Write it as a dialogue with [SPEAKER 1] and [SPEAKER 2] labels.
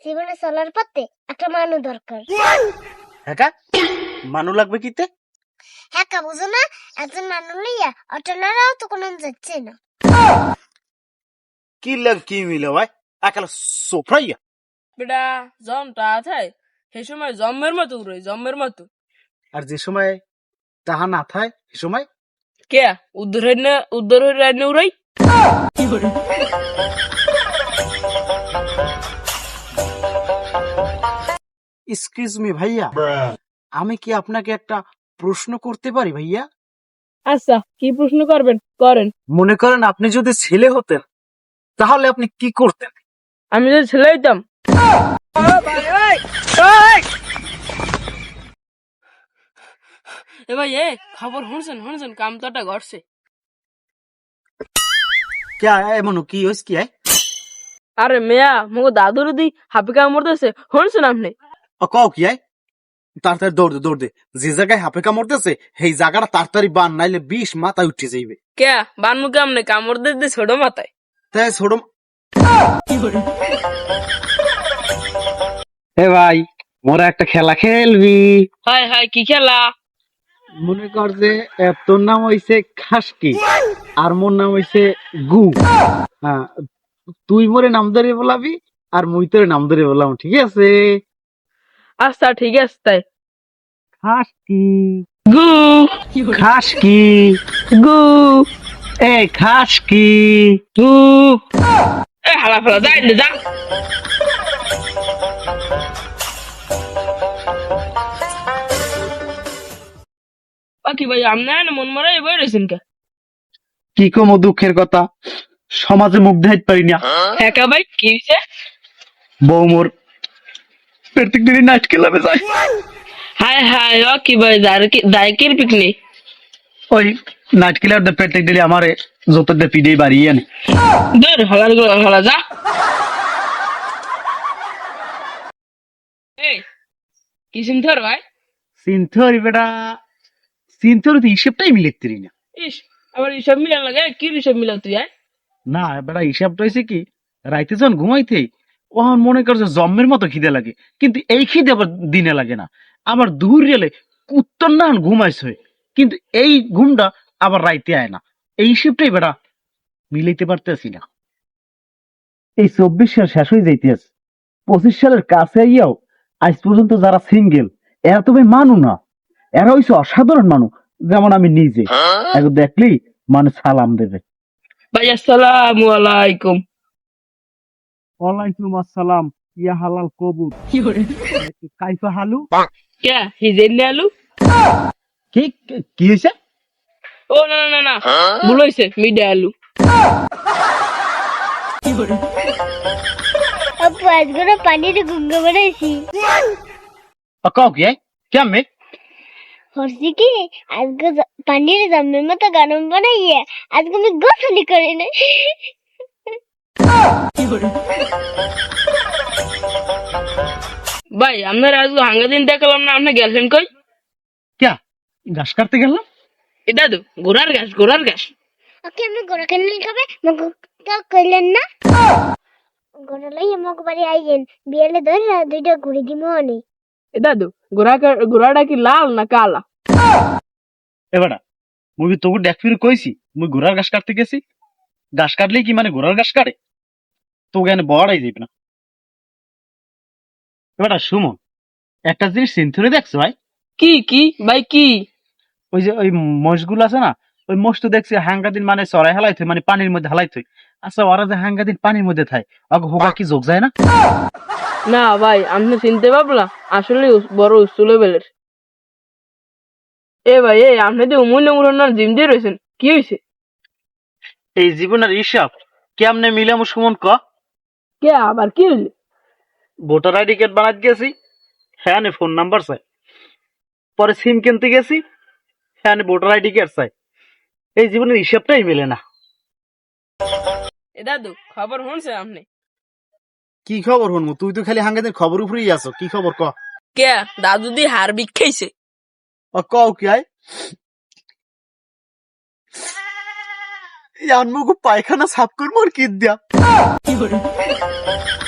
[SPEAKER 1] জীবনে চলার পথে একটা মানুষ দরকার।
[SPEAKER 2] হ্যাঁ মানু লাগবে কিতে?
[SPEAKER 1] হ্যাঁ কা বুঝো না, একজন মানুষ লইয়া অটলারাও তো কোনো যাচ্ছে না।
[SPEAKER 2] কি লাগ কি মিলে ভাই একালা সোফরাইয়া
[SPEAKER 3] বেটা জমটা আথায় সে সময় জম্মের মতো উড়ে জম্মের মতো।
[SPEAKER 2] আর যে সময় তাহা না থায় সে সময়
[SPEAKER 3] কে উদ্ধার হইনে উড়াই কি করে?
[SPEAKER 2] এক্সকিউজ মি ভাইয়া, আমি কি আপনাকে একটা প্রশ্ন করতে পারি ভাইয়া?
[SPEAKER 3] আচ্ছা কি প্রশ্ন করবেন করেন।
[SPEAKER 2] মনে করেন আপনি যদি ছেলে হতেন তাহলে আপনি কি করতেন?
[SPEAKER 3] আমি যদি ছেলে হইতাম এ ভাই এ খবর শুনছেন কামতাটা ঘটছে।
[SPEAKER 2] কে এমন কি হইস কি
[SPEAKER 3] আরে মেয়া মগো দাদুর দি হাপি কামড় দিয়েছে শুনছেন আপনি?
[SPEAKER 2] কও কি তাড়াতাড়ি দৌড় দে যে জায়গায় হাপে কামড়তেছে সেই জায়গাটা তাড়াতাড়ি বান, নাইলে 20 মাথায় উঠে যাইবে।
[SPEAKER 3] কে বানমু কেমনে কামড় দিয়ে ছোট মাথায়
[SPEAKER 2] তাই ছোট
[SPEAKER 3] কি করে?
[SPEAKER 2] হে ভাই মোরা একটা খেলা খেলবি?
[SPEAKER 3] হায় কি খেলা?
[SPEAKER 2] মনে কর যে তোর নাম হইছে খাসকি আর মোর নাম হইছে গু। হ্যাঁ, তুই মোরে নাম ধরে বলাবি আর মুই তোরে নাম ধরে বললাম, ঠিক আছে?
[SPEAKER 3] আচ্ছা ঠিক আছে তাই।
[SPEAKER 2] খাসকি
[SPEAKER 3] গু
[SPEAKER 2] খাসকি
[SPEAKER 3] গু
[SPEAKER 2] এ খাসকি
[SPEAKER 3] গু এ হালা ফালা যাই না যা। বাকি ভাই আপনি মন মরাই বই রয়েছেন কে?
[SPEAKER 2] কি কম দুঃখের কথা, সমাজে মুখ দেখাইতে পারি না।
[SPEAKER 3] একা ভাই কি হয়েছে?
[SPEAKER 2] বউ মোর প্রত্যেক দিনই নাইট ক্লাবে যায়।
[SPEAKER 3] হায় ও কি ভাই দায়কের পিকনিক
[SPEAKER 2] ওই নাইট ক্লাব প্রত্যেক দিনই আমারে যত দে পিডে বাড়িয়ে আনে।
[SPEAKER 3] দূর হালা যা। এই কি চিন্তার ভাই?
[SPEAKER 2] সিনথরি বেটা সিনথরি তো হিসেবটাই মিলেতে না।
[SPEAKER 3] ইস আবার হিসাব মিলান লাগে, কি হিসাব মিলাও তুই?
[SPEAKER 2] না বেটা হিসাবটা হয়েছে কি, রাইতে যখন ঘুমাইতে ওহন মনে করছে জম্মের মতো খিদে লাগে, কিন্তু এই খিদে আবার দিনে লাগে না। আবার দূর গেলে কুত্তর না ঘুমাইছে, কিন্তু এই ঘুমটা আবার রাইতে আয় না। এই হিসেবটাই বেটা মিলাইতে পারতেছি না। এই 24 সাল শেষ হয়ে যাইতেছে, 25 সালের কাছে আইয়াও আজ পর্যন্ত যারা সিঙ্গেল এরা তো ভাই মানু না, এরা হইছে অসাধারণ মানুষ। যেমন আমি নিজে, এখন দেখলেই মানুষ সালাম দেবে।
[SPEAKER 3] ভাই আসসালামু আলাইকুম।
[SPEAKER 2] ওয়ালাইকুম আসসালাম, ইয়া হালাল কবুল।
[SPEAKER 3] কি করে?
[SPEAKER 2] কাইফা হালু?
[SPEAKER 3] কে হিজেন আলু?
[SPEAKER 2] কি কি হইছে?
[SPEAKER 3] ও না ভুল হইছে, মিডে আলু। কি করে?
[SPEAKER 1] আপু আজকে পানির গুঙ্গা বানাইছি।
[SPEAKER 2] কও কি কেমনে?
[SPEAKER 1] হরছি কি আজকে পানির জমের মতো গরম বানাইয়া আজকে আমি গোসলি করি না।
[SPEAKER 3] কি করে? ভাই আপনার আজ হাঙ্গা দিন দেখলাম না, আপনার গার্লফ্রেন্ড কই?
[SPEAKER 2] ক্যা ঘাস কাটতে গেলাম?
[SPEAKER 3] এটা তো ঘোড়ার ঘাস।
[SPEAKER 1] ওকে আমি গোড়া কেন খাবে মগ কইলেন না? গোড়া লইয়া মগ বাড়ি আইয়েন, বিয়েলে ধরে দুইটা ঘুরি দিমো অনেক।
[SPEAKER 3] এটা তো ঘোড়াটা কি লাল না কালা?
[SPEAKER 2] এবারে মুই কি তোকে দেখ ফিরে কইছি মুই ঘোড়ার ঘাস কাটতে গেছি? ঘাস কাটলেই কি মানে ঘোড়ার ঘাস কাটে? তোকে এনে বড়াই যাবে না। এবারে সুমন, একটা জিনিস সেঞ্চুরি দেখছো ভাই?
[SPEAKER 3] কি ভাই কি?
[SPEAKER 2] ওই যে ওই মোষগুলো আছে না, ওই মোষ তো দেখছি হাঙ্গাদিন মানে চড়াই হালাইতে মানে পানির মধ্যে হালাইতে। আচ্ছা ওরা যে হাঙ্গাদিন পানির মধ্যে থাকে ওকে হোগা কি যোগ যায় না?
[SPEAKER 3] না ভাই আপনি চিনতে পারলাম, আসলে বড় উচ্চ লেভেলের। এ ভাই আপনি তো অমূল্য জিম দিয়ে রয়েছেন, কি হয়েছে?
[SPEAKER 2] এই জীবনের হিসাব কেমনে মিলামু সুমন ক?
[SPEAKER 3] কে আবার কি হইলে?
[SPEAKER 2] ভোটার আইডি কার্ড বানাতে গেছি, হ্যাঁ ফোন নাম্বার চাই। পরে সিম কিনতে গেছি, হ্যাঁ ভোটার আইডি কার্ড চাই। এই জীবনের হিসাবটাই মেলে না।
[SPEAKER 3] এ দাদু খবর শুনছে আপনি?
[SPEAKER 2] কি খবর শুনবো? তুই তো খালি হাঙ্গাদের খবর উপরেই আছো, কি খবর ক?
[SPEAKER 3] কে দাদু দি হার বিখাইছে।
[SPEAKER 2] কও কি আয় পায়খানা সাফ করবো আর কি দিয়া?
[SPEAKER 3] কি করে?